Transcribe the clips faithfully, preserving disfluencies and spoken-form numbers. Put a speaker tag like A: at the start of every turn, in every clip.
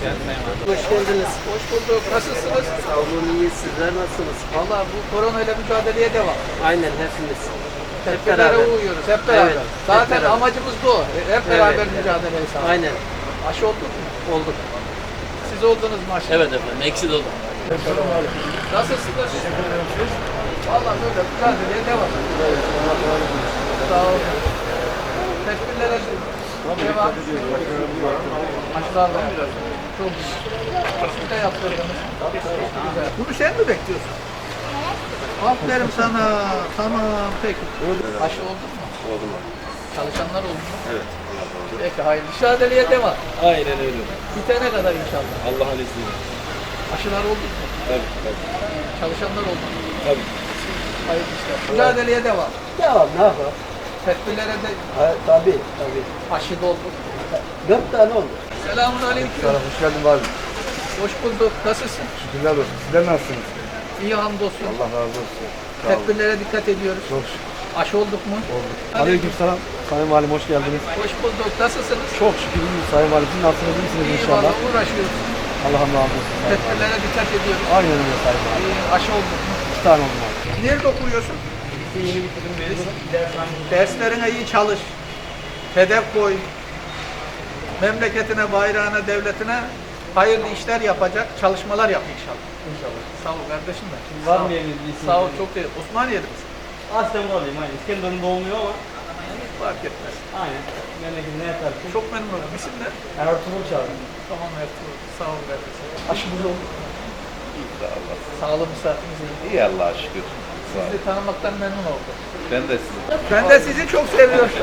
A: Hoş geldiniz.
B: Hoş bulduk. Nasılsınız?
A: Sağ olun, iyi. Sizler nasılsınız?
B: Valla bu korona ile mücadeleye devam.
A: Aynen hepimiz. Hep
B: Tedbirlere
A: beraber.
B: uyuyoruz. Hep beraber.
A: Evet, hep
B: Zaten
A: beraber.
B: amacımız bu. Hep beraber
A: Evet,
B: mücadeleyi sağlamak.
A: Aynen.
B: Aşı olduk mu?
A: Olduk.
B: Siz oldunuz mu aşı?
C: Evet efendim, eksik oldum.
B: Nasılsınız? Valla böyle mücadeleye devam. Sağ olun. Tedbirlere devam. Aşılar var. Çok güzel. Siz de yaptırdınız. Güzel. Bunu sen mi bekliyorsun? Aferin sana. Tamam peki. Aşı oldun mu?
C: Oldum.
B: Çalışanlar oldu mu?
C: Evet.
B: Peki hayırlı. Mücadeleye devam.
C: Aynen öyle.
B: Bitene kadar inşallah.
C: Allah'ın izniyle.
B: Aşılar oldu mu?
C: Tabii tabii.
B: Çalışanlar oldu mu?
C: Tabii.
B: Hayırlı işler. Mücadeleye devam.
A: Devam, ne yapalım?
B: Tedbirlere de
A: Ha, tabii, tabii.
B: aşı dolduk.
A: Dört tane oldu.
B: Selamun aleyküm.
D: Hoş geldin abi.
B: Hoş bulduk. Nasılsın?
D: Şükürler olsun. Sizler nasılsınız?
B: İyi hamdolsun.
D: Allah razı olsun. Sağ olun.
B: Tedbirlere dikkat ediyoruz.
D: Çok şükür
B: Aşı olduk mu?
D: olduk. Aleykümselam. Sayın Valim hoş geldiniz.
B: Hoş bulduk. Nasılsınız?
D: Çok şükür iyiyiz Sayın Valim. Siz nasılsınız? İyisiniz
B: İyi
D: inşallah.
B: valla uğraşıyoruz.
D: Allah'ım razı olsun. Sayın Valim.
B: Tedbirlere dikkat ediyoruz.
D: Aynen öyle Sayın Valim.
B: İyi, aşı olduk mu?
D: İki tane oldum abi.
B: Nerede okuyorsun? Yeni bitirdim Derslerine iyi çalış. Hedef koy. Memleketine, bayrağına, devletine hayırlı işler yapacak çalışmalar yap inşallah. İnşallah. Sağ ol kardeşim ben.
E: Var
B: Sağ ol.
E: mı eviniz isim?
B: Sağ ol çok değil. Osmaniye'de misin?
E: Aslen buradayım aynen. İskenderun doğumluyum ama
B: Fark etmez.
E: aynen. Memleketine yatar.
B: Çok memnun oldum. İsim ne?
E: Ertuğrul Çağrı.
B: Tamam Ertuğrul. Sağ ol kardeşim. Aşımız oldu. Sağlığımız saatimiz iyi.
F: İyi Allah'a şükür.
B: Sizi tanımaktan memnun oldum.
F: Ben de sizi.
B: Ben de sizi çok seviyorum.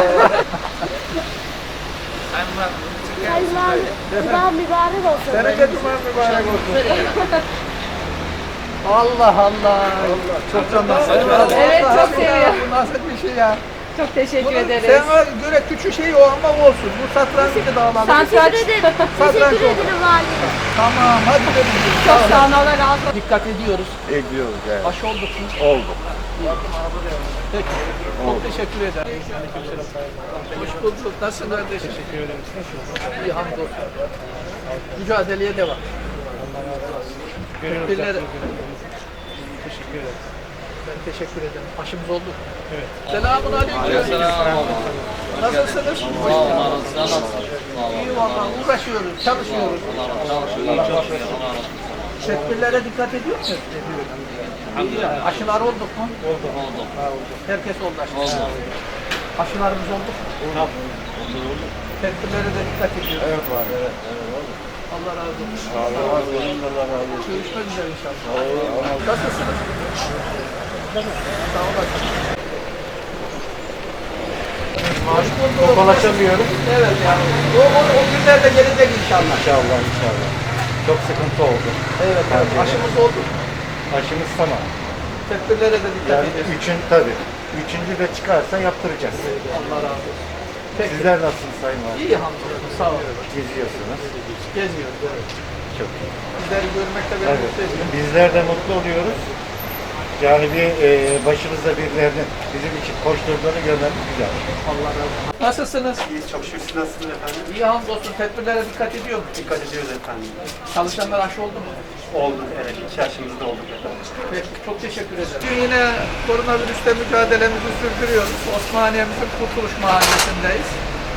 G: Allah, Allah mübarek olsun.
B: Senin de cuman mübarek olsun. Allah Allah. Çok canlısın.
G: Evet, çok seviyorum.
B: Bu nasıl bir şey ya?
G: Çok teşekkür
B: Bunun
G: ederiz.
B: sana göre küçük şey olmak olsun. Bu satrancı da alalım.
G: Teşekkür ederim.
B: Satranç
G: Teşekkür
B: oldu.
G: ederim valim.
B: Tamam hadi dedim.
G: Çok sağ olun. Allah razı olsun.
B: Dikkat ediyoruz.
F: Ekliyoruz yani.
B: Aşı olduk mu?
F: Oldu.
B: Peki. Çok teşekkür ederim. Hoş bulduk. Nasılsın kardeşim? Teşekkür ederim. İyi hamdolsun. Mücadeleye devam. Tedbirlere...
D: Teşekkür ederim.
B: Ben teşekkür ederim. Aşımız oldu. Evet. Selamun aleyküm. Nasılsınız?
C: Sağ olun, var olun. Sen nasılsın? Sağ olun.
B: İyi valla uğraşıyoruz, çalışıyoruz. Tedbirlere dikkat ediyor musunuz? İyi. Aşılar olduk mu?
C: Oldu.
B: Herkes oldu aşı.
C: Oldu.
B: Aşılarımız olduk mu? Tedbirlere de dikkat ediyoruz.
D: Evet var. Evet.
B: Allah razı olsun.
D: Allah razı olsun. Allah razı olsun.
B: Görüşmek üzere inşallah. Nasılsınız? Sağ olasın. Hoş bulduk.
D: Tokalaşamıyorum.
B: Evet yani. O, o, o günler de gelecek inşallah.
D: İnşallah inşallah. Çok sıkıntı oldu.
B: Evet, evet. Aşımız oldu.
D: Aşımız tamam.
B: Tedbirlere de dikkat
D: Yani
B: edeceğiz.
D: üçün tabii. Üçüncü de çıkarsa yaptıracağız.
B: Allah razı olsun. Peki.
D: Sizler nasılsınız Sayın Valim?
B: İyi hamdolsun. Sağ olun.
D: Geziyorsunuz.
B: Geziyoruz. Evet.
D: Çok iyi.
B: Sizleri görmekte beni
D: Evet.
B: mutlu ediyor.
D: Bizler de mutlu oluyoruz. Yani bir e, başımızda birilerinin bizim için koşturduğunu görmemiz güzel.
B: Allah razı olsun. Nasılsınız?
H: İyiyiz çok şükür. Siz nasılsınız efendim?
B: İyi hamdolsun. Tedbirlere dikkat ediyor musunuz?
H: Dikkat ediyoruz efendim.
B: Çalışanlar aşı oldu mu?
H: Oldu evet. İki aşımızda olduk efendim.
B: Peki, çok teşekkür ederim. Bugün yine koronavirüsle mücadelemizi sürdürüyoruz. Osmaniye'mizin Kurtuluş Mahallesi'ndeyiz.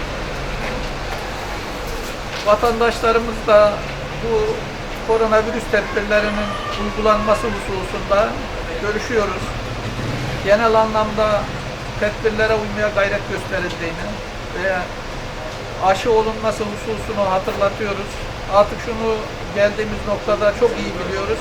B: Vatandaşlarımız da bu koronavirüs tedbirlerinin uygulanması hususunda görüşüyoruz. Genel anlamda tedbirlere uymaya gayret gösterildiğini ve aşı olunması hususunu hatırlatıyoruz. Artık şunu geldiğimiz noktada çok iyi biliyoruz.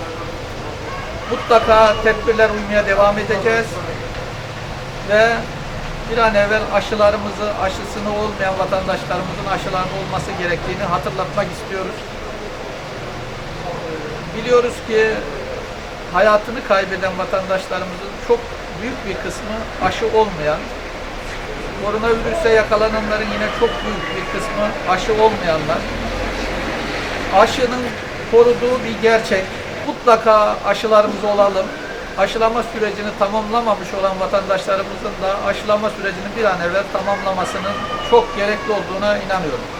B: Mutlaka tedbirler uymaya devam edeceğiz ve bir an evvel aşılarımızı, aşısını olmayan vatandaşlarımızın aşılarının olması gerektiğini hatırlatmak istiyoruz. Biliyoruz ki hayatını kaybeden vatandaşlarımızın çok büyük bir kısmı aşı olmayan, koronavirüse yakalananların yine çok büyük bir kısmı aşı olmayanlar. Aşının koruduğu bir gerçek. Mutlaka aşılarımız olalım. Aşılama sürecini tamamlamamış olan vatandaşlarımızın da aşılama sürecini bir an evvel tamamlamasının çok gerekli olduğuna inanıyorum.